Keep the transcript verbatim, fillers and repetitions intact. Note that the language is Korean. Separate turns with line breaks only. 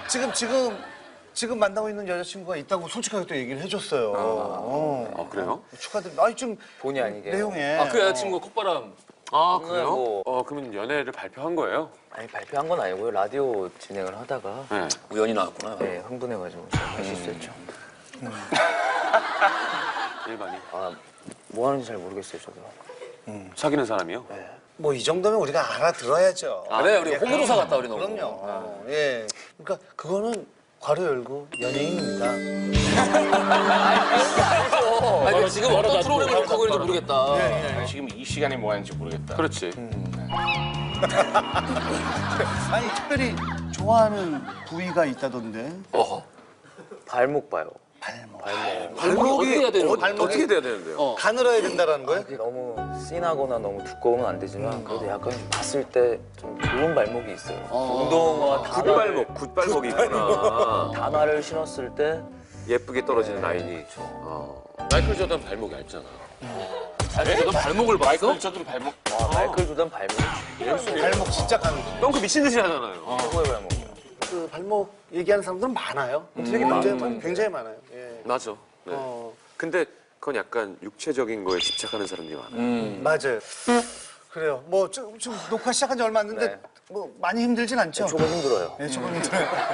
지금 지금 지금 만나고 있는 여자친구가 있다고 솔직하게 또 얘기를 해줬어요. 어.
아, 그래요?
축하드립니다. 아니 좀
본의 아니게.
내용에.
아, 그 여자친구 콧바람.
아, 그래요?
뭐-
어, 그러면 연애를 발표한 거예요?
아니 발표한 건 아니고요. 라디오 진행을 하다가
네.
우연히 나왔구나.
네, 흥분해가지고 할 실수했죠.
일반이.
아, 뭐 하는지 잘 모르겠어요, 저도.
사귀는 사람이요?
뭐 이 정도면 우리가 알아들어야죠.
그래, 우리
예,
홍보조사 같다, 우리 너무.
그럼요. 어, 예. 그러니까 그거는 괄호 열고 연예인입니다.
아니, 지금 어떤 프로그램을 하고 있는지 모르겠다.
아니, 지금 이 시간에 뭐 하는지 모르겠다.
그렇지.
아니 특별히 좋아하는 부위가 있다던데.
어허.
발목 봐요.
발목.
발목.
발목이 어떻게 해야 되는 거야?
어떻게 돼야 되는데요?
어.
가늘어야 된다라는 거예요?
그게 너무 진하거나 너무 두꺼우면 안 되지만 그래도 약간 좀 봤을 때 좀 좋은 발목이 있어요. 운동화 단화를,
굿발목, 굿발목이 있구나.
단화를 신었을 때
예쁘게 떨어지는 라인이. 어. 마이클 조던 발목이 얇잖아.
아니, 너 발목을 봤어?
마이클 조던 발목.
와, 마이클 조던 발목이
발목 진짜 가늘.
덩크 미친 듯이 하잖아요.
최고의 발목이에요.
그 발목 얘기하는 사람들은 많아요. 되게 굉장히 많아요. 굉장히 많아요. 예.
맞아. 네.
어,
근데 그건 약간 육체적인 거에 집착하는 사람들이 많아요.
음.
맞아요. 그래요. 뭐 지금, 지금 녹화 시작한 지 얼마 안 됐는데
네.
뭐 많이 힘들진 않죠?
조금 힘들어요.
네, 조금 힘들어요.